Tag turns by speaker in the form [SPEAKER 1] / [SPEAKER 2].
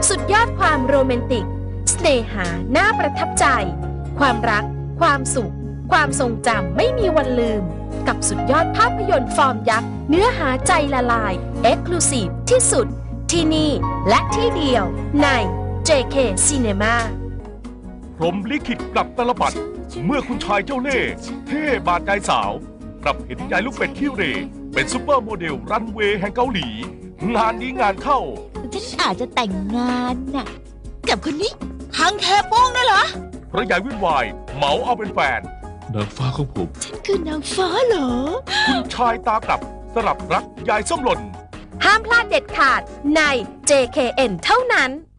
[SPEAKER 1] สุดยอดความโรแมนติกเสน่หาน่าประทับใจความรักความสุขความทรงจำไม่มีวันลืมกับสุดยอดภาพยนตร์ฟอร์มยักษ์เนื้อหาใจละลาย Exclusive ที่สุดที่นี่และที่เดียวใน JK Cinema
[SPEAKER 2] พรหมลิขิตกลับตลปัดเมื่อคุณชายเจ้าเล่ห์เท่บาดใจสาวกลับเห็นยายลูกเป็ดขี้เหร่เป็นซุปเปอร์โมเดลรันเวย์แห่งเกาหลีงานนี้งานเข้า
[SPEAKER 3] ฉันอาจจะแต่งงานน่ะกับคนนี้ฮังแคโป้งน่ะเหรอ
[SPEAKER 2] เพราะยายวุ่นวายเหมาเอาเป็นแฟน
[SPEAKER 4] นางฟ้าของผม
[SPEAKER 3] ฉันคือนางฟ้าเหรอ
[SPEAKER 2] คุณชายตากลับสลับรักยายส้มหล่น
[SPEAKER 1] ห้ามพลาดเด็ดขาดใน JKN เท่านั้น